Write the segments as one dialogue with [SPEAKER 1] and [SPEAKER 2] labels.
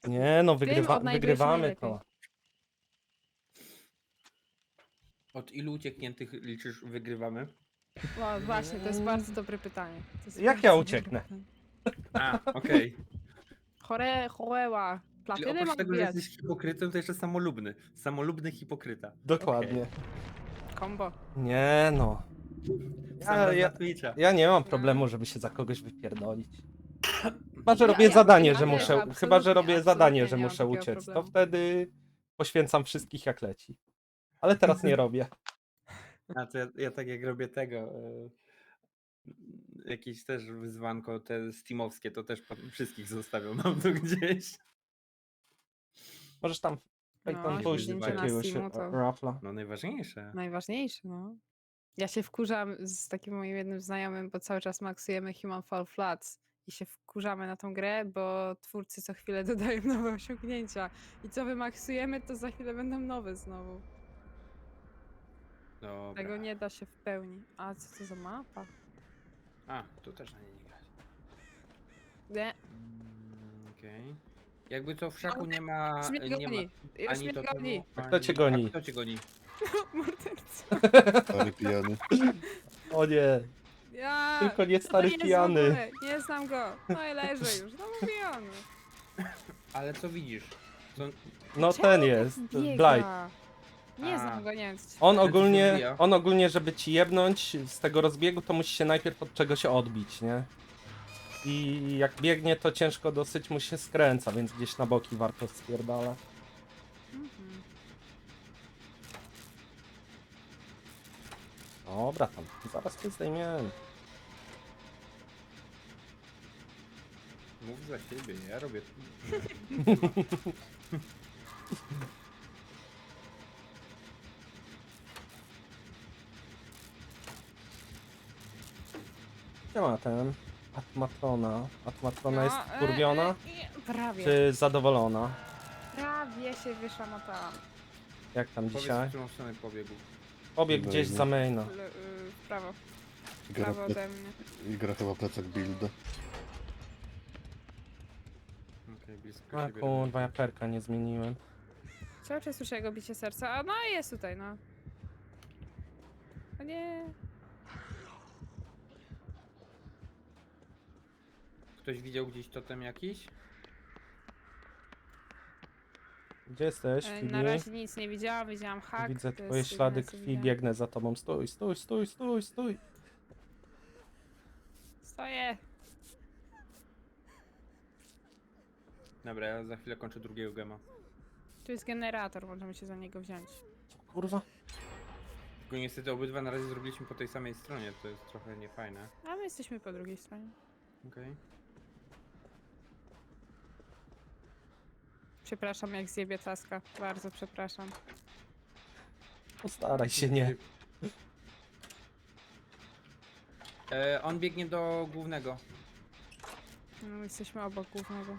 [SPEAKER 1] Nie no,
[SPEAKER 2] od najwyższej
[SPEAKER 1] wygrywamy
[SPEAKER 2] najlepiej.
[SPEAKER 1] to.
[SPEAKER 3] Od ilu uciekniętych liczysz wygrywamy?
[SPEAKER 2] No właśnie, to jest bardzo dobre pytanie. To jest
[SPEAKER 1] Jak
[SPEAKER 2] bardzo
[SPEAKER 1] ja
[SPEAKER 2] dobre
[SPEAKER 1] ucieknę?
[SPEAKER 2] pytanie.
[SPEAKER 3] A, okej.
[SPEAKER 2] Choreła.
[SPEAKER 3] Czyli
[SPEAKER 2] Platynę
[SPEAKER 3] oprócz
[SPEAKER 2] mam
[SPEAKER 3] tego, że
[SPEAKER 2] wbijać.
[SPEAKER 3] jesteś hipokrytą, to jeszcze samolubny. Samolubny hipokryta.
[SPEAKER 1] Dokładnie.
[SPEAKER 2] Kombo.
[SPEAKER 1] Nie no.
[SPEAKER 3] Sam raz na Twitcha.
[SPEAKER 1] Ja nie mam
[SPEAKER 2] No.
[SPEAKER 1] problemu, żeby się za kogoś wypierdolić. Chyba, że
[SPEAKER 2] Ja-
[SPEAKER 1] robię
[SPEAKER 2] ja-
[SPEAKER 1] zadanie,
[SPEAKER 2] ja
[SPEAKER 1] że
[SPEAKER 2] też
[SPEAKER 1] muszę. Chyba,
[SPEAKER 2] absolutnie-
[SPEAKER 1] że robię zadanie,
[SPEAKER 2] absolutnie
[SPEAKER 1] że
[SPEAKER 2] nie mam
[SPEAKER 1] muszę
[SPEAKER 2] takiego
[SPEAKER 1] uciec. To
[SPEAKER 2] problemu.
[SPEAKER 1] wtedy poświęcam wszystkich jak leci. Ale teraz nie robię.
[SPEAKER 3] A to ja tak jak robię tego, jakieś też wyzwanko te steamowskie, to też wszystkich zostawiam, mam tu gdzieś.
[SPEAKER 1] Możesz tam
[SPEAKER 2] No,
[SPEAKER 1] pójść
[SPEAKER 3] siedzenie na
[SPEAKER 1] jakiegoś
[SPEAKER 2] Steamu to-
[SPEAKER 1] rafla.
[SPEAKER 3] No najważniejsze.
[SPEAKER 2] Najważniejsze, no. Ja się wkurzam z takim moim jednym znajomym, bo cały czas maksujemy Human Fall Flats i się wkurzamy na tą grę, bo twórcy co chwilę dodają nowe osiągnięcia. I co wymaksujemy, to za chwilę będą nowe znowu.
[SPEAKER 3] Dobra.
[SPEAKER 2] Tego nie da się w pełni. A co to za mapa?
[SPEAKER 3] A, tu też na niej nie grać.
[SPEAKER 2] Nie,
[SPEAKER 3] Okej. Jakby to w szaku nie ma...
[SPEAKER 2] już mnie
[SPEAKER 3] Nie ma
[SPEAKER 2] goni. Już
[SPEAKER 3] ani
[SPEAKER 2] mnie
[SPEAKER 3] to
[SPEAKER 2] goni.
[SPEAKER 3] temu,
[SPEAKER 1] Kto cię
[SPEAKER 3] ani-
[SPEAKER 1] goni?
[SPEAKER 3] A kto cię goni?
[SPEAKER 2] Morderca.
[SPEAKER 4] Stary pijany.
[SPEAKER 1] O nie,
[SPEAKER 2] Ja!
[SPEAKER 1] tylko nie
[SPEAKER 2] Co to
[SPEAKER 1] stary
[SPEAKER 2] jest w
[SPEAKER 1] pijany.
[SPEAKER 2] ogóle? Nie znam go. No i leży już. No mówiłam.
[SPEAKER 3] Ale co widzisz? Co...
[SPEAKER 1] No
[SPEAKER 2] Czemu
[SPEAKER 1] ten
[SPEAKER 2] tak
[SPEAKER 1] jest,
[SPEAKER 2] biega?
[SPEAKER 1] Blight.
[SPEAKER 2] Nie
[SPEAKER 3] A.
[SPEAKER 2] znam go, nie wiem co ci
[SPEAKER 1] On
[SPEAKER 3] Ale co się
[SPEAKER 1] ogólnie,
[SPEAKER 3] odbija?
[SPEAKER 1] żeby ci jebnąć z tego rozbiegu, to musi się najpierw od czegoś odbić, nie? I jak biegnie, to ciężko dosyć mu się skręca, więc gdzieś na boki warto spierdala.
[SPEAKER 2] Mhm.
[SPEAKER 1] Dobra, tam, zaraz cię zdejmiemy.
[SPEAKER 3] Mów za siebie, ja robię...
[SPEAKER 1] Gdzie ma ten? Atmatrona. Atmatrona jest
[SPEAKER 2] No,
[SPEAKER 1] wkurwiona,
[SPEAKER 2] Prawie.
[SPEAKER 1] czy zadowolona?
[SPEAKER 2] Prawie się wyszamotałam.
[SPEAKER 1] Jak tam
[SPEAKER 3] Powiedz,
[SPEAKER 1] dzisiaj?
[SPEAKER 3] w którą stronę pobiegł.
[SPEAKER 1] Pobiegł gdzieś za maina.
[SPEAKER 2] W prawo. W
[SPEAKER 4] Gra,
[SPEAKER 2] prawo ode mnie.
[SPEAKER 4] I gra chyba plecak build.
[SPEAKER 3] Okej, blisko
[SPEAKER 1] A
[SPEAKER 3] siebie.
[SPEAKER 1] kurwa, ja perka nie zmieniłem.
[SPEAKER 2] Cały czas słyszę jego bicie serca. A no jest tutaj, no. O nie.
[SPEAKER 3] Ktoś widział gdzieś totem jakiś?
[SPEAKER 1] Gdzie jesteś,
[SPEAKER 2] Na
[SPEAKER 1] Fibi?
[SPEAKER 2] razie nic nie widziałam, widziałam hak.
[SPEAKER 1] Widzę
[SPEAKER 2] to
[SPEAKER 1] twoje
[SPEAKER 2] jest
[SPEAKER 1] ślady
[SPEAKER 2] jedyne, co
[SPEAKER 1] krwi,
[SPEAKER 2] widziałam.
[SPEAKER 1] biegnę za tobą. Stój, stój, stój, stój, stój.
[SPEAKER 2] Stoję.
[SPEAKER 3] Dobra, ja za chwilę kończę drugiego gema.
[SPEAKER 2] Tu jest generator, możemy się za niego wziąć.
[SPEAKER 1] Co, kurwa?
[SPEAKER 3] Tylko niestety obydwa na razie zrobiliśmy po tej samej stronie, to jest trochę niefajne.
[SPEAKER 2] A my jesteśmy po drugiej stronie.
[SPEAKER 3] Okej.
[SPEAKER 2] Przepraszam, jak zjebie taska. Bardzo przepraszam.
[SPEAKER 1] Postaraj się, nie.
[SPEAKER 3] On biegnie do głównego.
[SPEAKER 2] No, jesteśmy obok głównego.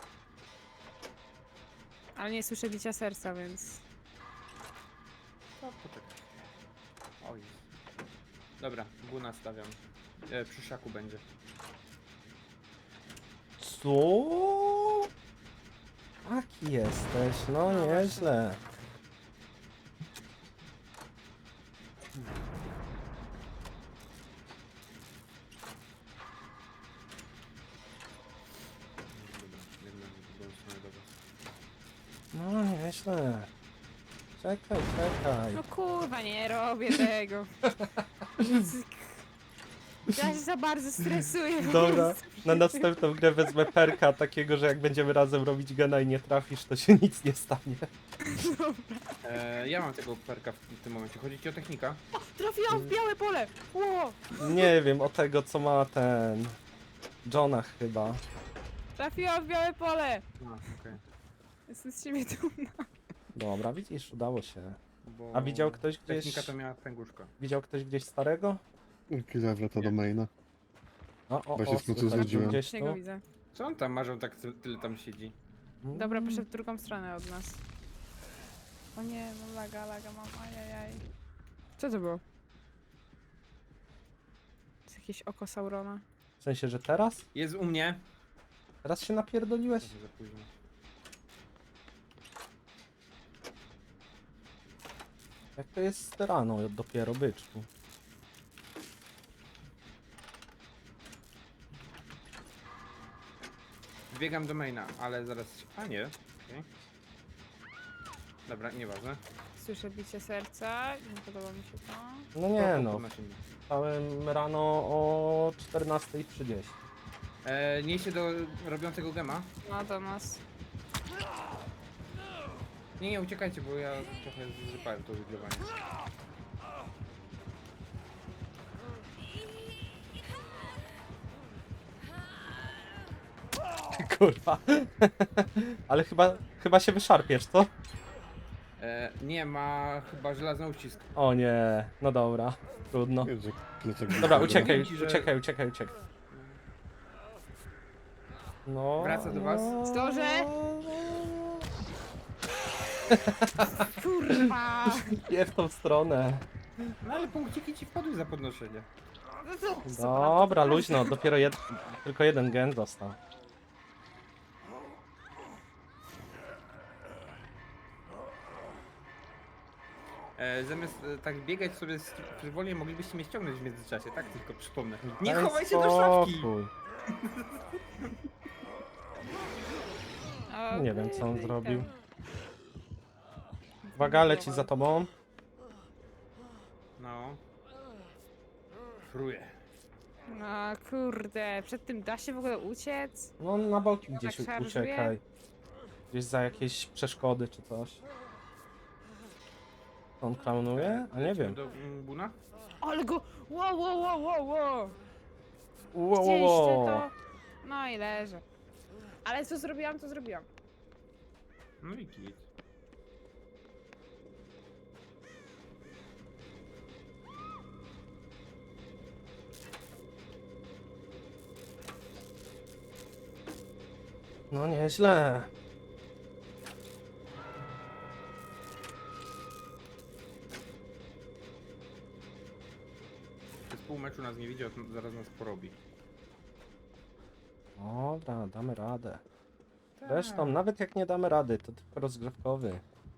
[SPEAKER 2] Ale nie słyszę bicia serca, więc...
[SPEAKER 3] O, poczekaj. Oj. Dobra, guna stawiam. Przy szaku będzie.
[SPEAKER 1] Co? Taki jesteś, no
[SPEAKER 2] No
[SPEAKER 1] nieźle.
[SPEAKER 3] Dobra, biegnę w drugą stronę do was.
[SPEAKER 1] No nieźle. Czekaj, czekaj.
[SPEAKER 2] No kurwa, nie robię tego. Ja się za bardzo stresuję. po
[SPEAKER 1] Dobra,
[SPEAKER 2] prostu.
[SPEAKER 1] na następną grę wezmę perka takiego, że jak będziemy razem robić gena i nie trafisz, to się nic nie stanie.
[SPEAKER 3] Ja mam tego perka w tym momencie. Chodzi ci o technika?
[SPEAKER 2] Trafiłam w białe pole! Ło!
[SPEAKER 1] Nie wiem, o tego co ma ten... Jonah chyba.
[SPEAKER 2] Trafiłam w białe pole!
[SPEAKER 3] A, okej.
[SPEAKER 2] Jestem z siebie dumna.
[SPEAKER 1] Dobra, widzisz, udało się.
[SPEAKER 3] Bo
[SPEAKER 1] A widział ktoś gdzieś...
[SPEAKER 3] technika to miała pęguszka.
[SPEAKER 1] Widział ktoś gdzieś starego?
[SPEAKER 4] Killa wraca do maina. Właśnie w końcu
[SPEAKER 1] słychać
[SPEAKER 4] znudziłem.
[SPEAKER 1] gdzieś
[SPEAKER 2] Nie go
[SPEAKER 1] tu.
[SPEAKER 2] widzę.
[SPEAKER 3] Co on tam marzą tak tyle tam siedzi?
[SPEAKER 2] Dobra, poszedł w drugą stronę od nas. O nie, no laga mam, ajajaj. Co to było? To jest jakieś oko Saurona.
[SPEAKER 1] W sensie, że teraz?
[SPEAKER 3] Jest u mnie.
[SPEAKER 1] Teraz się napierdoliłeś?
[SPEAKER 3] Trochę za późno.
[SPEAKER 1] Jak to jest rano dopiero, byczku?
[SPEAKER 3] Biegam do maina, ale zaraz... A nie. Okej. Dobra, nieważne.
[SPEAKER 2] Słyszę bicie serca, nie podoba mi się to.
[SPEAKER 1] No nie no,
[SPEAKER 3] Podnosimy.
[SPEAKER 1] wstałem rano o 14:30.
[SPEAKER 3] Niesie do robiącego gema.
[SPEAKER 2] No do nas.
[SPEAKER 3] Nie, uciekajcie, bo ja trochę zrypałem to wygrywanie.
[SPEAKER 1] Kurwa. Ale chyba się wyszarpiesz, co?
[SPEAKER 3] Nie, ma chyba żelazny uścisk.
[SPEAKER 1] O nie, no dobra, trudno.
[SPEAKER 4] Jezu, plecak
[SPEAKER 1] Dobra,
[SPEAKER 4] był
[SPEAKER 1] uciekaj,
[SPEAKER 3] Powiem ci, że-
[SPEAKER 1] uciekaj. No.
[SPEAKER 3] Wraca do was?
[SPEAKER 2] Zdążę? Kurwa!
[SPEAKER 1] Nie w tą stronę.
[SPEAKER 3] No ale punkciki ci wpadły za podnoszenie.
[SPEAKER 1] Dobra, luźno, dopiero tylko jeden gen został.
[SPEAKER 3] Zamiast tak biegać sobie wolniej, moglibyście mnie ściągnąć w międzyczasie, tak? Tylko przypomnę. Nie
[SPEAKER 1] Daj
[SPEAKER 3] chowaj się do szafki!
[SPEAKER 1] spokój. Nie wiem, co on zrobił. Uwaga, leci za tobą.
[SPEAKER 3] No. Fruję.
[SPEAKER 2] No kurde, przed tym da się w ogóle uciec?
[SPEAKER 1] No na boki gdzieś
[SPEAKER 2] Tak szarżuje?
[SPEAKER 1] uciekaj. Gdzieś za jakieś przeszkody czy coś. On klaunuje? A nie
[SPEAKER 3] Lecimy
[SPEAKER 1] wiem.
[SPEAKER 3] do Buna?
[SPEAKER 2] Ale go... Wow, wow, wow, wow, wow!
[SPEAKER 1] Ło, ło,
[SPEAKER 2] Widzieliście
[SPEAKER 1] ło.
[SPEAKER 2] to? No i leżę. Ale co zrobiłam, to zrobiłam.
[SPEAKER 3] No i git.
[SPEAKER 1] No nieźle.
[SPEAKER 3] Przez pół meczu nas nie widział, to zaraz nas porobi.
[SPEAKER 1] Dobra, damy radę.
[SPEAKER 3] Tak.
[SPEAKER 1] Zresztą, nawet jak nie damy rady, to tylko rozgrzewkowy.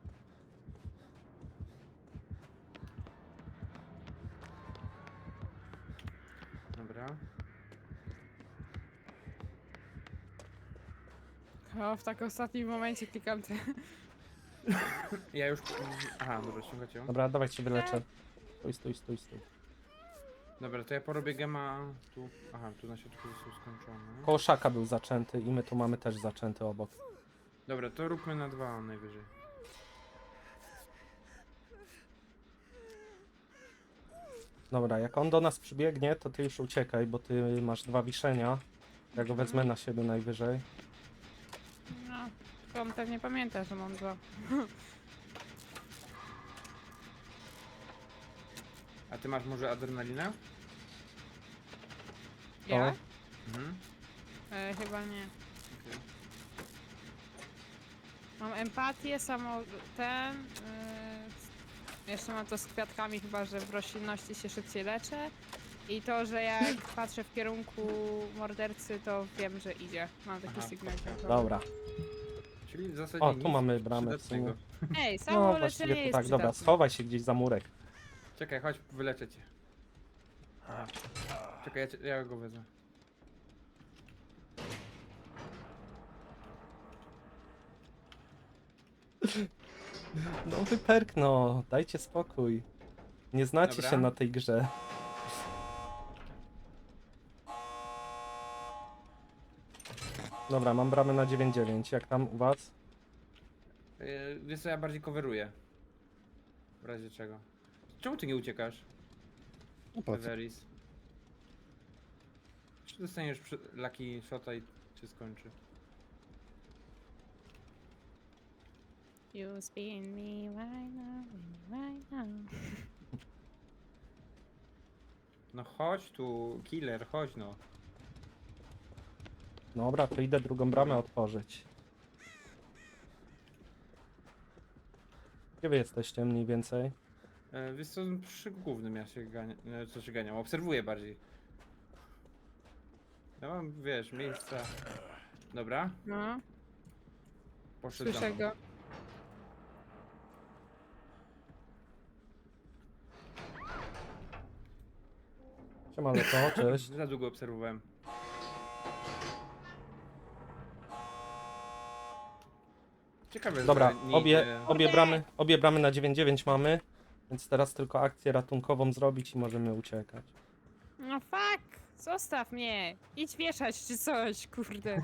[SPEAKER 3] Dobra.
[SPEAKER 2] O, w tak ostatnim momencie klikam te...
[SPEAKER 3] Ja już... Aha, dobra, ściągacie ją.
[SPEAKER 1] Dobra, dawaj się wyleczę. Stój.
[SPEAKER 3] Dobra, to ja porobię gema tu. Aha, tu na środku został skończony.
[SPEAKER 1] Koło szaka był zaczęty i my tu mamy też zaczęty obok.
[SPEAKER 3] Dobra, to róbmy na 2 najwyżej.
[SPEAKER 1] Dobra, jak on do nas przybiegnie, to ty już uciekaj, bo ty masz 2 wiszenia. Ja go wezmę na siebie najwyżej.
[SPEAKER 2] No, tylko on pewnie pamięta, że mam dwa.
[SPEAKER 3] A ty masz może adrenalinę?
[SPEAKER 2] Ja?
[SPEAKER 3] Mhm.
[SPEAKER 2] Chyba nie.
[SPEAKER 3] Okej.
[SPEAKER 2] Mam empatię, samo ten... jeszcze mam to z kwiatkami, chyba że w roślinności się szybciej leczę. I to, że jak patrzę w kierunku mordercy, to wiem, że idzie. Mam taki
[SPEAKER 3] Aha,
[SPEAKER 2] sygnał. dźwiękowy.
[SPEAKER 1] Dobra.
[SPEAKER 3] Czyli w zasadzie
[SPEAKER 1] O,
[SPEAKER 3] nic
[SPEAKER 1] tu mamy bramę w sumie.
[SPEAKER 3] przydatnego.
[SPEAKER 2] Ej, samo
[SPEAKER 1] No
[SPEAKER 2] leczenie
[SPEAKER 1] właściwie to
[SPEAKER 2] jest
[SPEAKER 1] tak, dobra,
[SPEAKER 2] przydatne.
[SPEAKER 1] schowaj się gdzieś za murek.
[SPEAKER 3] Czekaj, chodź, wyleczę cię. Aha. Czekaj, ja go wezmę.
[SPEAKER 1] No wyperk, no, dajcie spokój. Nie znacie
[SPEAKER 3] Dobra.
[SPEAKER 1] się na tej grze. Dobra, mam bramę na 9-9. Jak tam u was?
[SPEAKER 3] Wiesz co, ja bardziej coveruję. W razie czego. Czemu ty nie uciekasz,
[SPEAKER 4] No po co?
[SPEAKER 3] Everis? Czy dostaniesz lucky shota i się skończy?
[SPEAKER 2] You spin me right now.
[SPEAKER 3] No chodź tu, killer, chodź no.
[SPEAKER 1] Dobra, to idę drugą bramę otworzyć. Gdzie wy jesteście mniej więcej?
[SPEAKER 3] Wiesz co, przy głównym ja się ganiam, co się ganiam, obserwuję bardziej. Ja mam, wiesz, miejsca. Dobra,
[SPEAKER 2] No,
[SPEAKER 3] poszedł za
[SPEAKER 2] słyszę
[SPEAKER 3] mną.
[SPEAKER 2] go.
[SPEAKER 1] Siema Leto, cześć.
[SPEAKER 3] Za długo obserwowałem. Ciekawe,
[SPEAKER 1] Dobra,
[SPEAKER 3] że nie idzie...
[SPEAKER 1] obie bramy na 9-9 mamy, więc teraz tylko akcję ratunkową zrobić i możemy uciekać.
[SPEAKER 2] No fuck! Zostaw mnie! Idź wieszać czy coś, kurde.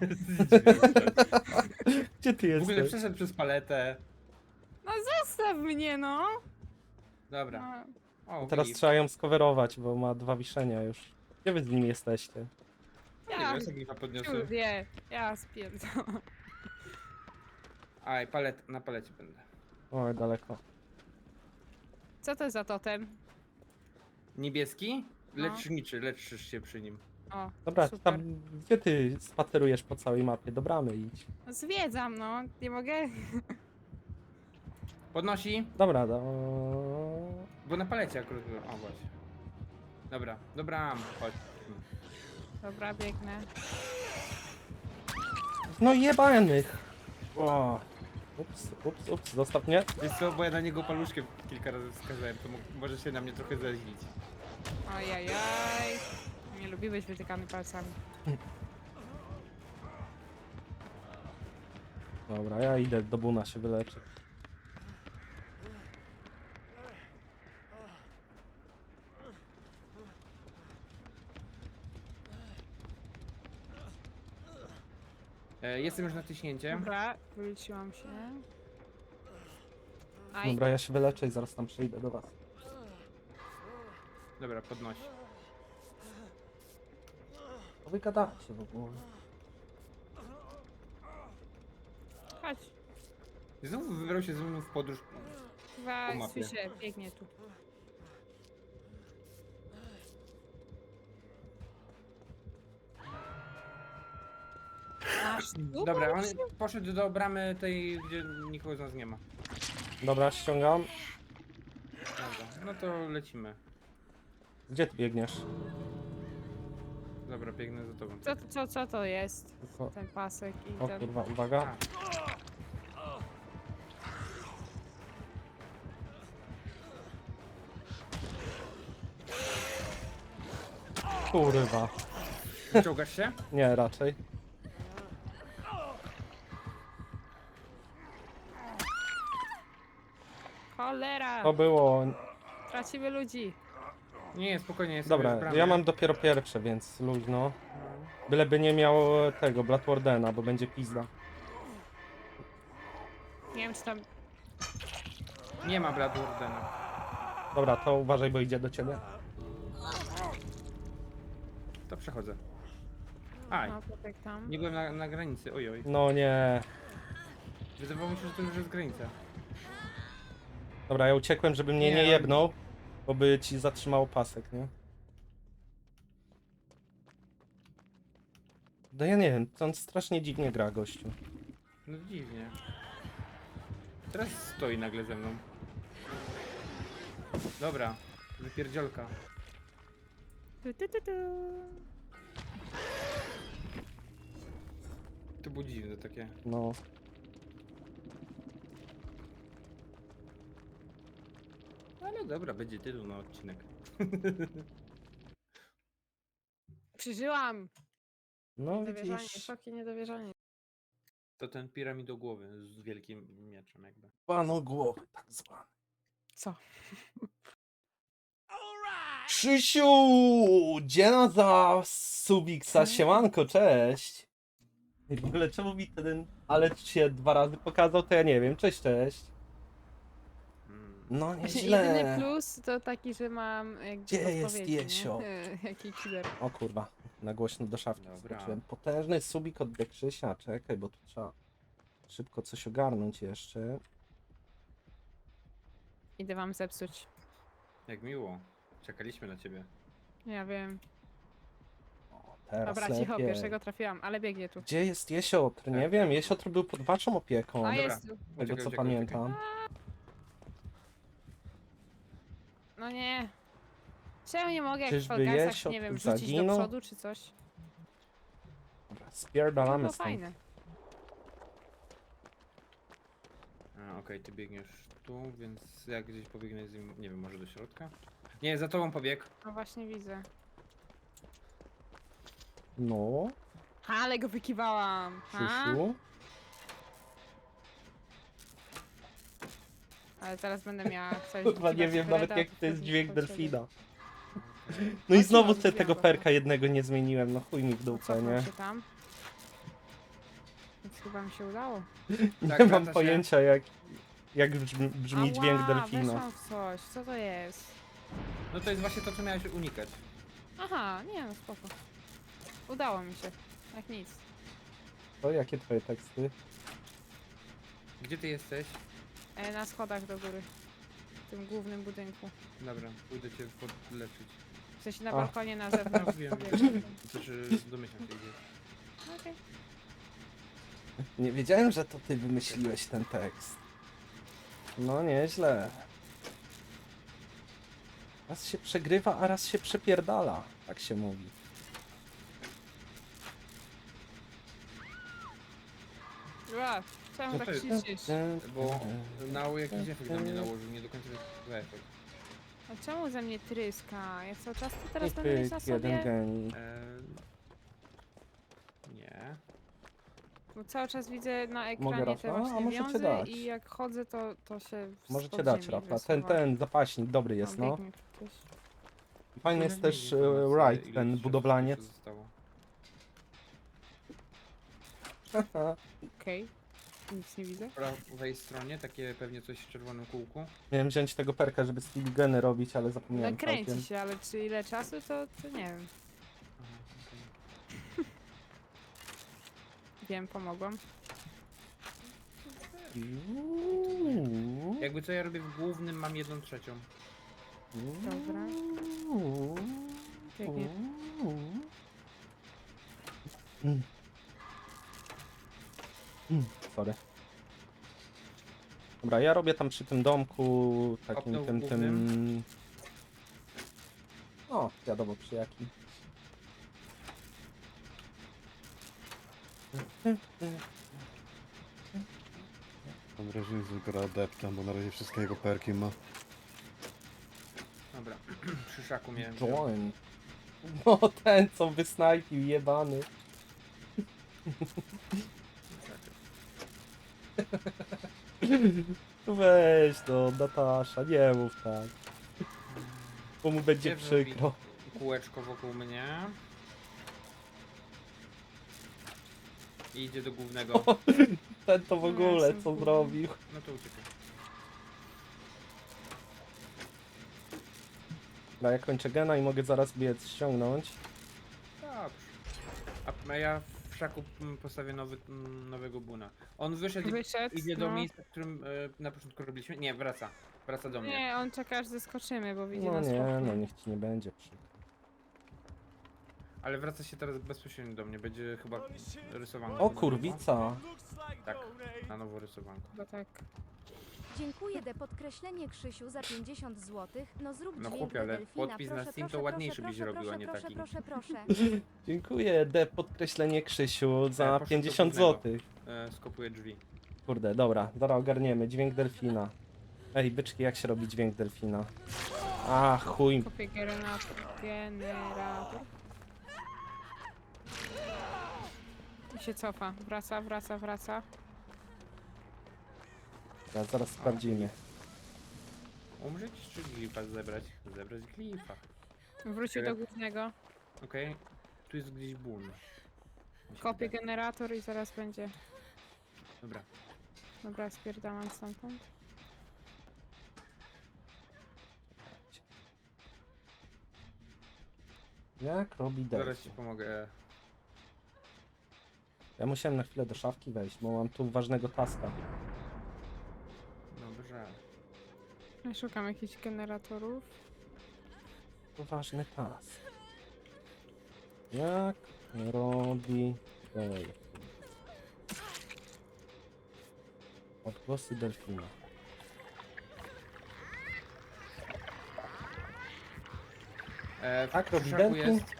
[SPEAKER 1] Gdzie ty
[SPEAKER 3] W ogóle
[SPEAKER 1] jesteś?
[SPEAKER 3] przeszedł przez paletę.
[SPEAKER 2] No zostaw mnie, no!
[SPEAKER 3] Dobra.
[SPEAKER 2] No,
[SPEAKER 3] O,
[SPEAKER 1] Teraz
[SPEAKER 3] Filip.
[SPEAKER 1] trzeba ją skowerować, bo ma 2 wiszenia już. Gdzie wy z nimi jesteście?
[SPEAKER 3] Nie
[SPEAKER 2] ja
[SPEAKER 3] wiem, sobie podniosłem.
[SPEAKER 2] wie, ja spierdzam.
[SPEAKER 3] Aj, na palecie będę.
[SPEAKER 1] Oj, daleko.
[SPEAKER 2] Co to za totem?
[SPEAKER 3] Niebieski?
[SPEAKER 2] No.
[SPEAKER 3] Leczysz się przy nim.
[SPEAKER 2] O,
[SPEAKER 1] Dobra,
[SPEAKER 2] super.
[SPEAKER 1] tam gdzie ty spacerujesz po całej mapie? Do bramy idź.
[SPEAKER 2] No, zwiedzam, no. Nie mogę.
[SPEAKER 3] Podnosi,
[SPEAKER 1] Dobra,
[SPEAKER 3] bo na palecie akurat było. O, właśnie. Dobra, chodź.
[SPEAKER 2] Dobra, biegnę.
[SPEAKER 1] No jebanych! O. Ups, zostaw mnie.
[SPEAKER 3] Wiesz co, bo ja na niego paluszkiem kilka razy wskazałem, to może się na mnie trochę zaźlić.
[SPEAKER 2] Ojajaj. Nie lubi być wytykany palcami.
[SPEAKER 1] Dobra, ja idę do Buna się wyleczyć.
[SPEAKER 3] Jestem już na tyśnięcie.
[SPEAKER 2] Dobra, wróciłam się. Aj,
[SPEAKER 1] Dobra, ja się wyleczę i zaraz tam przyjdę do was.
[SPEAKER 3] Dobra, podnosi.
[SPEAKER 1] Co wy gadacie w ogóle?
[SPEAKER 2] chodź.
[SPEAKER 3] Znowu wybrał się ze mną w podróż.
[SPEAKER 2] Chyba
[SPEAKER 3] Po mapie.
[SPEAKER 2] słyszę, biegnie tu. Aż tu
[SPEAKER 3] Dobra, on
[SPEAKER 2] poszedł?
[SPEAKER 3] poszedł do bramy tej, gdzie nikogo z nas nie ma.
[SPEAKER 1] Dobra, ściągam.
[SPEAKER 3] Dobra, no to lecimy.
[SPEAKER 1] Gdzie ty biegniesz?
[SPEAKER 3] Dobra, biegnę za tobą.
[SPEAKER 2] Co to jest?
[SPEAKER 1] Tylko...
[SPEAKER 2] Ten pasek i
[SPEAKER 1] O
[SPEAKER 2] ten...
[SPEAKER 1] kurwa, uwaga. Kurwa.
[SPEAKER 3] Wyciągasz się?
[SPEAKER 1] Nie, raczej.
[SPEAKER 2] Cholera!
[SPEAKER 1] To było...
[SPEAKER 2] Tracimy ludzi.
[SPEAKER 3] Nie, spokojnie, jestem
[SPEAKER 1] Dobra,
[SPEAKER 3] już w bramie.
[SPEAKER 1] ja mam dopiero pierwsze, więc luźno. Byleby nie miał tego, Bloodwardena, bo będzie pizda.
[SPEAKER 2] Nie wiem, czy tam...
[SPEAKER 3] Nie ma Bloodwardena.
[SPEAKER 1] Dobra, to uważaj, bo idzie do ciebie.
[SPEAKER 3] To przechodzę. Aj,
[SPEAKER 2] No, potek tam.
[SPEAKER 3] nie byłem na granicy, ojoj.
[SPEAKER 1] No nie.
[SPEAKER 3] Wydawało mi się, że to już jest granica.
[SPEAKER 1] Dobra, ja uciekłem, żeby mnie
[SPEAKER 3] Nie,
[SPEAKER 1] nie
[SPEAKER 3] no.
[SPEAKER 1] jebnął, bo by ci zatrzymał pasek, nie? No ja nie wiem, to on strasznie dziwnie gra, gościu.
[SPEAKER 3] No dziwnie. Teraz stoi nagle ze mną. Dobra, wypierdziolka.
[SPEAKER 2] Tu.
[SPEAKER 3] To było dziwne takie.
[SPEAKER 1] No.
[SPEAKER 3] Ale dobra, będzie tytuł na odcinek.
[SPEAKER 2] Przeżyłam!
[SPEAKER 1] No
[SPEAKER 2] Niedowierzanie,
[SPEAKER 1] widzisz,
[SPEAKER 2] szok i niedowierzanie.
[SPEAKER 3] To ten piramidogłowy z wielkim mieczem jakby.
[SPEAKER 1] panu głowy tak zwany.
[SPEAKER 2] Co?
[SPEAKER 1] Krzysiu! Dziena za Subiksa, siemanko, cześć! I w ogóle czemu mi ten ale się 2 razy pokazał, to ja nie wiem, cześć. No
[SPEAKER 2] Właśnie
[SPEAKER 1] nieźle.
[SPEAKER 2] jedyny plus to taki, że mam jakby
[SPEAKER 1] Gdzie jest
[SPEAKER 2] podpowiedzi, nie?
[SPEAKER 1] Jesio?
[SPEAKER 2] Jaki killer.
[SPEAKER 1] O kurwa, na głośno do szafki
[SPEAKER 3] Dobra.
[SPEAKER 1] skoczyłem. Potężny subik od Krzysia, czekaj, bo tu trzeba szybko coś ogarnąć jeszcze.
[SPEAKER 2] Idę wam zepsuć.
[SPEAKER 3] Jak miło. Czekaliśmy na ciebie.
[SPEAKER 2] Ja wiem.
[SPEAKER 1] O, teraz
[SPEAKER 2] Dobra,
[SPEAKER 1] lepiej.
[SPEAKER 2] cicho, pierwszego trafiłam, ale biegnie tu.
[SPEAKER 1] Gdzie jest Jesiotr? Nie wiem, Jesiotr był pod waszą opieką,
[SPEAKER 2] A
[SPEAKER 3] dobra.
[SPEAKER 2] jest tu.
[SPEAKER 1] tego co
[SPEAKER 3] Uciekaj,
[SPEAKER 1] pamiętam.
[SPEAKER 2] No nie. Czemu nie mogę jak w
[SPEAKER 1] Czyżby
[SPEAKER 2] Fall Guysach,
[SPEAKER 1] Jesio
[SPEAKER 2] nie wiem,
[SPEAKER 1] tu
[SPEAKER 2] rzucić do
[SPEAKER 1] zaginął?
[SPEAKER 2] przodu czy coś?
[SPEAKER 1] Dobra,
[SPEAKER 2] To
[SPEAKER 1] spierdalamy
[SPEAKER 2] było
[SPEAKER 1] stąd.
[SPEAKER 2] fajne.
[SPEAKER 3] Okej, ty biegniesz tu, więc ja gdzieś pobiegnę z nim, nie wiem, może do środka? Nie, za tobą pobiegł.
[SPEAKER 2] No właśnie widzę.
[SPEAKER 1] No,
[SPEAKER 2] Ale go wykiwałam. Ha?
[SPEAKER 1] Krzysiu.
[SPEAKER 2] Ale teraz będę miała coś
[SPEAKER 1] Kurwa, nie
[SPEAKER 2] wykiwać
[SPEAKER 1] wiem nawet
[SPEAKER 2] Freda,
[SPEAKER 1] jak to jest
[SPEAKER 2] wtedy
[SPEAKER 1] dźwięk
[SPEAKER 2] potrzeby.
[SPEAKER 1] delfina.
[SPEAKER 3] Okej.
[SPEAKER 1] No i
[SPEAKER 2] Chodź,
[SPEAKER 1] znowu
[SPEAKER 2] mam,
[SPEAKER 1] tego
[SPEAKER 2] zjadła
[SPEAKER 1] perka
[SPEAKER 2] to.
[SPEAKER 1] jednego nie zmieniłem, no chuj mi w dupę,
[SPEAKER 2] Cofam
[SPEAKER 1] nie?
[SPEAKER 2] się tam. Więc chyba mi się udało.
[SPEAKER 1] Nie
[SPEAKER 3] Tak,
[SPEAKER 1] mam
[SPEAKER 3] wraca się.
[SPEAKER 1] pojęcia jak brzmi dźwięk
[SPEAKER 2] Ała,
[SPEAKER 1] delfina.
[SPEAKER 2] weszłam w coś. Co to jest?
[SPEAKER 3] No to jest właśnie to, co miałeś unikać.
[SPEAKER 2] Aha, nie no spoko. Udało mi się. Jak nic.
[SPEAKER 1] To jakie twoje teksty?
[SPEAKER 3] Gdzie ty jesteś?
[SPEAKER 2] Na schodach do góry. W tym głównym budynku.
[SPEAKER 3] Dobra, pójdę cię podleczyć.
[SPEAKER 2] W sensie na
[SPEAKER 1] A.
[SPEAKER 2] balkonie na
[SPEAKER 3] No
[SPEAKER 2] zewnątrz.
[SPEAKER 3] wiem,
[SPEAKER 2] Wiem.
[SPEAKER 3] znaczy domyślam się gdzie.
[SPEAKER 2] Okej.
[SPEAKER 1] Nie wiedziałem, że to ty wymyśliłeś ten tekst. No nieźle. Raz się przegrywa, a raz się przepierdala. Tak się mówi.
[SPEAKER 2] Ła, czemu
[SPEAKER 3] No
[SPEAKER 2] tak
[SPEAKER 3] to jest-
[SPEAKER 2] krzyczysz?
[SPEAKER 3] Bo Nao jakiś efekt na mnie nałożył, nie do końca jest efekt.
[SPEAKER 2] A czemu ze mnie tryska? Ja cały czas to teraz
[SPEAKER 1] I
[SPEAKER 2] będę mieć na
[SPEAKER 1] pyk, jeden
[SPEAKER 2] sobie?
[SPEAKER 1] geni.
[SPEAKER 3] Nie.
[SPEAKER 2] Bo cały czas widzę na
[SPEAKER 1] Mogę
[SPEAKER 2] ekranie
[SPEAKER 1] Rafa?
[SPEAKER 2] te
[SPEAKER 1] A
[SPEAKER 2] właśnie
[SPEAKER 1] możecie
[SPEAKER 2] wiązy
[SPEAKER 1] dać.
[SPEAKER 2] i jak chodzę to się
[SPEAKER 1] Możecie
[SPEAKER 2] spod
[SPEAKER 1] dać
[SPEAKER 2] ziemi
[SPEAKER 1] Rafa.
[SPEAKER 2] wysuwa.
[SPEAKER 1] Ten zapaśnik dobry jest, no.
[SPEAKER 2] biegnie tu ktoś.
[SPEAKER 1] Fajny jest też Right, ten budowlaniec.
[SPEAKER 2] Okej. Nic nie widzę.
[SPEAKER 3] Po prawej stronie takie pewnie coś w czerwonym kółku.
[SPEAKER 1] Miałem wziąć tego perka, żeby speedgeny robić, ale zapomniałem
[SPEAKER 2] Nakręci
[SPEAKER 1] całkiem.
[SPEAKER 2] się, ale czy ile czasu to nie wiem.
[SPEAKER 3] Aha, okej.
[SPEAKER 2] Wiem, pomogłam.
[SPEAKER 3] Jakby co ja robię w głównym, mam 1/3.
[SPEAKER 2] Dobra. Pięknie.
[SPEAKER 1] Sorry. Dobra, ja robię tam przy tym domku takim
[SPEAKER 3] Kopnął w
[SPEAKER 1] tym.
[SPEAKER 3] głównym.
[SPEAKER 1] O, wiadomo przy jakim.
[SPEAKER 4] Mam wrażenie, że gra adepta, bo na razie wszystkie jego perki ma.
[SPEAKER 3] Dobra, przy szaku miałem.
[SPEAKER 1] Join. No ten co wysnajpił, jebany. Weź to, Natasza, nie mów tak. Bo mu będzie
[SPEAKER 3] Gdzie zrobi
[SPEAKER 1] przykro.
[SPEAKER 3] Kółeczko wokół mnie. I idzie do głównego.
[SPEAKER 1] Ten to w
[SPEAKER 2] Ja
[SPEAKER 1] ogóle
[SPEAKER 2] jestem
[SPEAKER 1] co
[SPEAKER 2] głupia.
[SPEAKER 1] zrobił.
[SPEAKER 3] No to uciekaj.
[SPEAKER 1] Dobra, ja kończę gena i mogę zaraz biec ściągnąć.
[SPEAKER 3] Dobrze. A ja w szaku postawię nowego buna. On wyszedł i
[SPEAKER 2] Wyszedł,
[SPEAKER 3] idzie do
[SPEAKER 2] no.
[SPEAKER 3] miejsca, w którym na początku robiliśmy. Nie, wraca. Wraca do mnie.
[SPEAKER 2] Nie, on czeka aż zeskoczymy, bo widzi
[SPEAKER 1] No
[SPEAKER 2] nas w
[SPEAKER 1] nie,
[SPEAKER 2] oknie.
[SPEAKER 1] no niech ci nie będzie przykro.
[SPEAKER 3] Ale wraca się teraz bezpośrednio do mnie. Będzie chyba rysowanko.
[SPEAKER 1] O kurwica.
[SPEAKER 3] Tak, na nowo rysowanko.
[SPEAKER 2] Chyba tak.
[SPEAKER 5] Dziękuję de podkreślenie Krzysiu za 50 zł. No zrób
[SPEAKER 3] No
[SPEAKER 5] dźwięk
[SPEAKER 3] chłopie,
[SPEAKER 5] do
[SPEAKER 3] ale
[SPEAKER 5] delfina.
[SPEAKER 3] podpis na
[SPEAKER 5] Proszę,
[SPEAKER 3] Steam to
[SPEAKER 5] proszę,
[SPEAKER 3] ładniejszy
[SPEAKER 5] proszę,
[SPEAKER 3] byś robił,
[SPEAKER 5] proszę,
[SPEAKER 3] a nie
[SPEAKER 5] proszę,
[SPEAKER 3] taki.
[SPEAKER 5] Proszę, proszę.
[SPEAKER 1] Dziękuję, D podkreślenie Krzysiu za
[SPEAKER 3] poszedł do
[SPEAKER 1] 50
[SPEAKER 3] głównego.
[SPEAKER 1] zł.
[SPEAKER 3] Skopuję drzwi.
[SPEAKER 1] Kurde, dobra, zaraz ogarniemy. Dźwięk delfina. Ej, byczki, jak się robi dźwięk delfina? A, chuj.
[SPEAKER 2] Kopię generator. I się cofa. Wraca, wraca, wraca.
[SPEAKER 1] Zaraz sprawdzimy.
[SPEAKER 3] Umrzeć czy glifa zebrać? Zebrać glifa.
[SPEAKER 2] Wrócił do głównego.
[SPEAKER 3] Okej. Tu jest gdzieś ból. Mi się
[SPEAKER 2] Kopię
[SPEAKER 3] wydaje.
[SPEAKER 2] generator i zaraz będzie.
[SPEAKER 3] Dobra.
[SPEAKER 2] Dobra, spierdalam stamtąd.
[SPEAKER 1] Jak robi
[SPEAKER 3] Zaraz
[SPEAKER 1] delfin?
[SPEAKER 3] ci pomogę.
[SPEAKER 1] Ja musiałem na chwilę do szafki wejść, bo mam tu ważnego taska.
[SPEAKER 3] Dobrze.
[SPEAKER 2] Ja szukam jakichś generatorów.
[SPEAKER 1] To ważny task. Jak robi delfin? Odgłosy delfina.
[SPEAKER 3] W
[SPEAKER 1] Tak robi
[SPEAKER 3] szaku
[SPEAKER 1] delfin?
[SPEAKER 3] jest.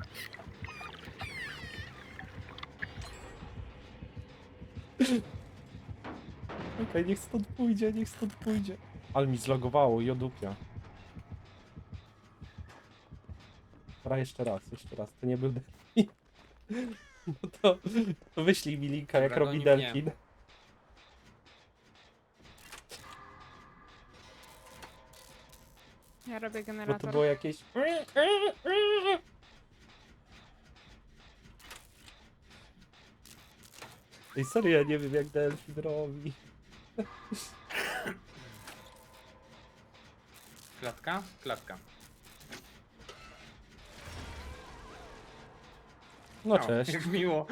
[SPEAKER 1] Okej, niech stąd pójdzie, niech stąd pójdzie. Ale mi zlogowało, jodupia. Dobra, jeszcze raz, to nie był delfin. No to wyślij mi linka, jak
[SPEAKER 3] Dobra,
[SPEAKER 1] robi
[SPEAKER 3] goni mnie.
[SPEAKER 1] delfin.
[SPEAKER 2] Ja robię
[SPEAKER 1] Bo to
[SPEAKER 2] generator.
[SPEAKER 1] było jakieś... Ej, serio, ja nie wiem jak delfin robi.
[SPEAKER 3] Klatka? Klatka.
[SPEAKER 1] No
[SPEAKER 3] O,
[SPEAKER 1] cześć.
[SPEAKER 3] Jak miło.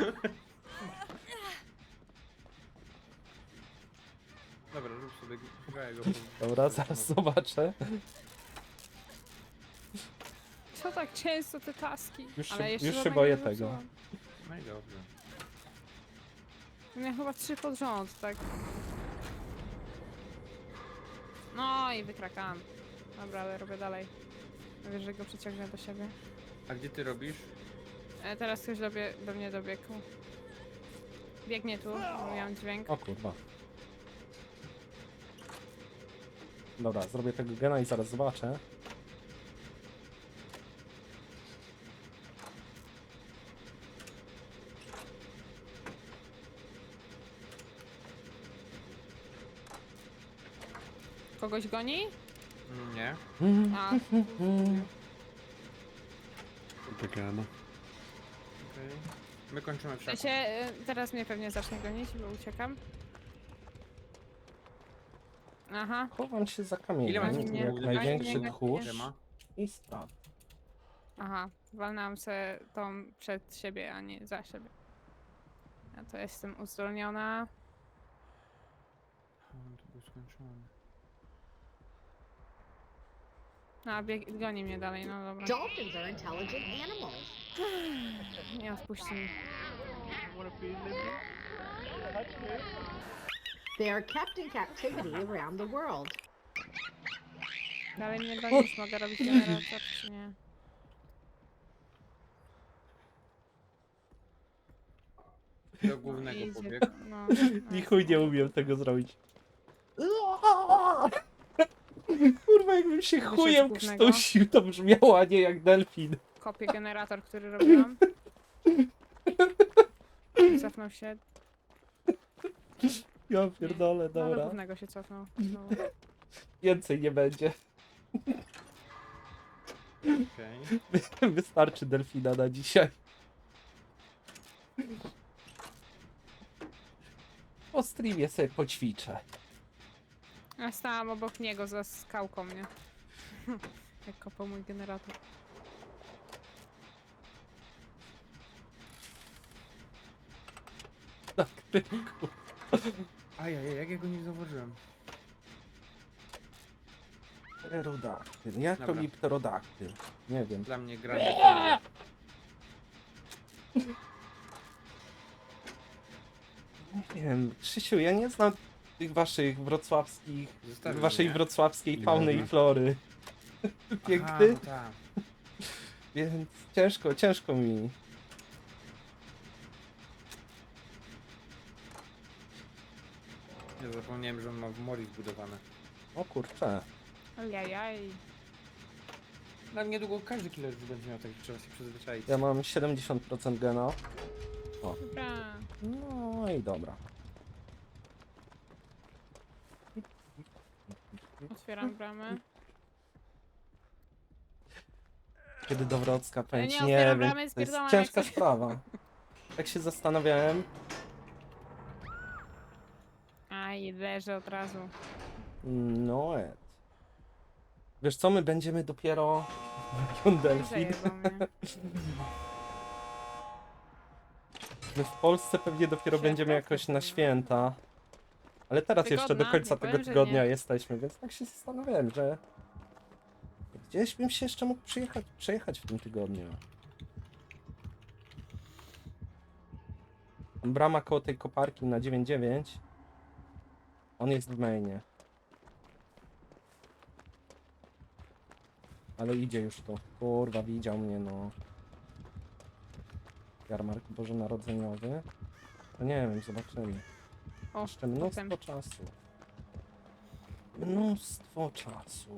[SPEAKER 3] Dobra, rób sobie go.
[SPEAKER 1] Dobra, zaraz zobaczę.
[SPEAKER 2] Co tak często te taski?
[SPEAKER 1] Już się-
[SPEAKER 2] Ale jeszcze
[SPEAKER 1] już się
[SPEAKER 2] żadnego
[SPEAKER 1] boję
[SPEAKER 2] nie
[SPEAKER 1] tego.
[SPEAKER 2] zepsułam.
[SPEAKER 3] No i dobrze.
[SPEAKER 2] Miałem chyba 3 pod rząd, tak? No i wykrakałam. Dobra, ale robię dalej. Wiesz, że go przyciągnę do siebie.
[SPEAKER 3] A gdzie ty robisz?
[SPEAKER 2] Teraz ktoś do mnie dobiegł. Biegnie tu, bo miałam dźwięk.
[SPEAKER 1] O kurwa. Dobra, zrobię tego gena i zaraz zobaczę.
[SPEAKER 2] Kogoś goni?
[SPEAKER 3] Nie.
[SPEAKER 2] A,
[SPEAKER 4] Biegano.
[SPEAKER 3] Okej. My kończymy w
[SPEAKER 2] w
[SPEAKER 3] szaku.
[SPEAKER 2] sensie, teraz mnie pewnie zacznie gonić, bo uciekam. Aha.
[SPEAKER 1] Chowam się za
[SPEAKER 3] Ile
[SPEAKER 1] kamieniem.
[SPEAKER 3] macie
[SPEAKER 2] Ani mnie-
[SPEAKER 1] Jak
[SPEAKER 3] ani
[SPEAKER 1] największy
[SPEAKER 2] mnie-
[SPEAKER 1] tchórz
[SPEAKER 3] Siema.
[SPEAKER 1] i spraw.
[SPEAKER 2] Aha, walnęłam se tą przed siebie, a nie za siebie. Ja to jestem uzdolniona.
[SPEAKER 3] To był skończony.
[SPEAKER 2] No, goni mnie dalej, no dobra.
[SPEAKER 6] Dolphins are intelligent animals.
[SPEAKER 2] Nie odpuści mi.
[SPEAKER 6] They are kept in captivity around the world.
[SPEAKER 2] Dalej mnie gonisz, mogę robić generator, czy nie?
[SPEAKER 3] Do głównego
[SPEAKER 2] Idzie,
[SPEAKER 3] pobiegł.
[SPEAKER 2] no,
[SPEAKER 1] Ni chuj nie umiem tego zrobić. Kurwa, jakbym się
[SPEAKER 2] Wyszedł
[SPEAKER 1] chujem
[SPEAKER 2] głównego.
[SPEAKER 1] krztusił, to brzmiało, a nie jak delfin.
[SPEAKER 2] Kopię generator, który robiłam. Cofnął się.
[SPEAKER 1] Ja pierdolę,
[SPEAKER 2] No, do
[SPEAKER 1] dobra.
[SPEAKER 2] głównego się cofnął. znowu.
[SPEAKER 1] Więcej nie będzie.
[SPEAKER 3] Okej.
[SPEAKER 1] Wystarczy delfina na dzisiaj. Po streamie sobie poćwiczę.
[SPEAKER 2] Ja stałam obok niego za skałką, nie? Jak kopał mój generator.
[SPEAKER 1] Na kryku.
[SPEAKER 3] Ajajaj, jak ja go nie zauważyłem.
[SPEAKER 1] Pterodaktyl. Jak
[SPEAKER 3] Dobra.
[SPEAKER 1] robi pterodaktyl? Nie wiem.
[SPEAKER 3] Dla mnie gra nie.
[SPEAKER 1] Nie wiem, Krzysiu, ja nie znam tych waszych wrocławskich,
[SPEAKER 3] Zostawił
[SPEAKER 1] waszej
[SPEAKER 3] mnie.
[SPEAKER 1] wrocławskiej
[SPEAKER 4] Nie
[SPEAKER 1] fauny i
[SPEAKER 4] można.
[SPEAKER 1] flory.
[SPEAKER 3] Aha,
[SPEAKER 1] Piękny,
[SPEAKER 3] no tak.
[SPEAKER 1] więc ciężko mi.
[SPEAKER 3] Ja zapomniałem, że on ma w mori zbudowane.
[SPEAKER 1] O kurczę.
[SPEAKER 2] Ojajaj.
[SPEAKER 3] No niedługo każdy killer już będzie miał, tak trzeba się przyzwyczaić.
[SPEAKER 1] Ja mam 70% gena.
[SPEAKER 2] Dobra.
[SPEAKER 1] No i dobra.
[SPEAKER 2] Otwieram bramę.
[SPEAKER 1] Kiedy do Wrocka pędź?
[SPEAKER 2] nie
[SPEAKER 1] Nie
[SPEAKER 2] otwieram
[SPEAKER 1] wiem,
[SPEAKER 2] bramy,
[SPEAKER 1] to jest
[SPEAKER 2] spierdalam
[SPEAKER 1] ciężka
[SPEAKER 2] jak coś.
[SPEAKER 1] sprawa. Tak się zastanawiałem.
[SPEAKER 2] Aj, leżę od razu.
[SPEAKER 1] No et. Wiesz co, my będziemy dopiero... Delfin.
[SPEAKER 2] Zajebał mnie.
[SPEAKER 1] My w Polsce pewnie dopiero
[SPEAKER 2] Święta?
[SPEAKER 1] będziemy jakoś na święta. Ale teraz jeszcze do
[SPEAKER 2] Tygodna?
[SPEAKER 1] końca
[SPEAKER 2] Nie
[SPEAKER 1] tego
[SPEAKER 2] powiem, że
[SPEAKER 1] tygodnia
[SPEAKER 2] nie.
[SPEAKER 1] jesteśmy, więc tak się zastanawiałem, że... Gdzieś bym się jeszcze mógł przejechać w tym tygodniu. Brama koło tej koparki na 9.9. On jest w mainie. Ale idzie już tu. Kurwa, widział mnie, no. Jarmark bożonarodzeniowy. No nie wiem, zobaczymy.
[SPEAKER 2] O,
[SPEAKER 1] Jeszcze mnóstwo
[SPEAKER 2] potem.
[SPEAKER 1] czasu. Mnóstwo czasu.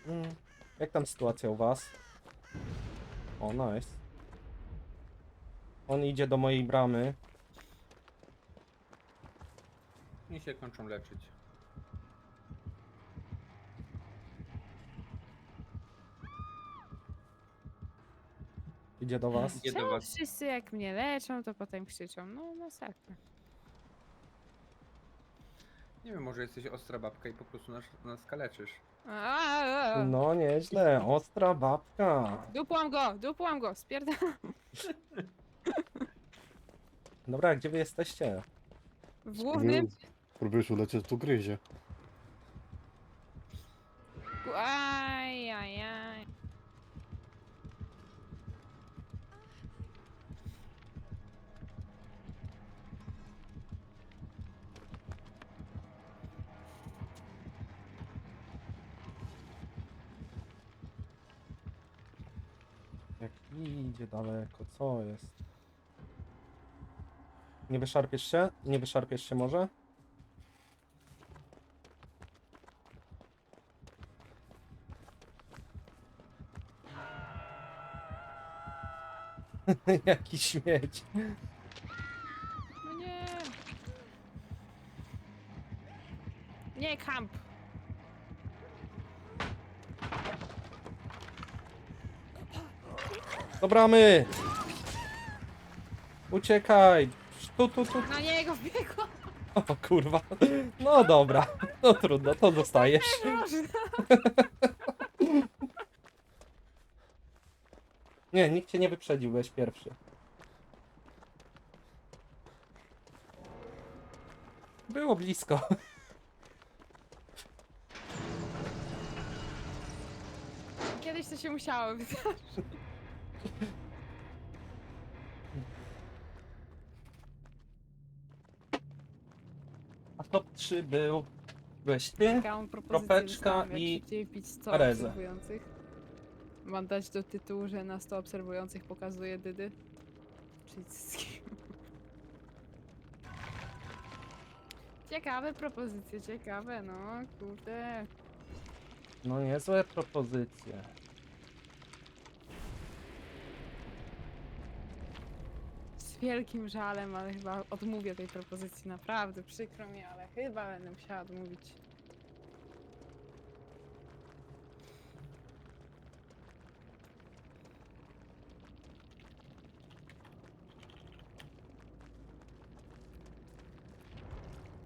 [SPEAKER 1] Jak tam sytuacja u was? O, nice. On idzie do mojej bramy.
[SPEAKER 3] I się kończą leczyć.
[SPEAKER 1] Idzie do was.
[SPEAKER 3] Idzie do
[SPEAKER 2] Czemu
[SPEAKER 3] was.
[SPEAKER 2] wszyscy jak mnie leczą, to potem krzyczą? No masakra.
[SPEAKER 3] Nie wiem, może jesteś ostra babka i po prostu nas kaleczysz.
[SPEAKER 1] No nieźle, ostra babka.
[SPEAKER 2] Dupłam go, spierdalam.
[SPEAKER 1] Dobra, gdzie wy jesteście?
[SPEAKER 2] W głównym...
[SPEAKER 4] Próbujesz ulecieć, tu gryzie.
[SPEAKER 2] Ajajaj.
[SPEAKER 1] Jak idzie daleko, co jest? Nie wyszarpiesz się? Nie wyszarpiesz się może? Jaki śmieć.
[SPEAKER 2] No nie. Nie, kamp.
[SPEAKER 1] Do bramy! Uciekaj! Tu.
[SPEAKER 2] Na niego wbiegłam.
[SPEAKER 1] O kurwa. No dobra. No trudno, to dostajesz.
[SPEAKER 2] Boże.
[SPEAKER 1] Nie, nikt cię nie wyprzedził, byłeś pierwszy. Było blisko.
[SPEAKER 2] Kiedyś to się musiało wydarzyć.
[SPEAKER 1] A top 3 byłeś ty.
[SPEAKER 2] Taką propozycję
[SPEAKER 1] Kropeczka
[SPEAKER 2] dostałam, jak
[SPEAKER 1] i
[SPEAKER 2] szybciej wbić 100
[SPEAKER 1] Arezę.
[SPEAKER 2] obserwujących. Mam dać do tytułu, że na 100 obserwujących pokazuje dydy. Czyli cycki. Ciekawe propozycje, ciekawe, no kurde.
[SPEAKER 1] No niezłe propozycje.
[SPEAKER 2] Z wielkim żalem, ale chyba odmówię tej propozycji. Naprawdę przykro mi, ale chyba będę musiała odmówić.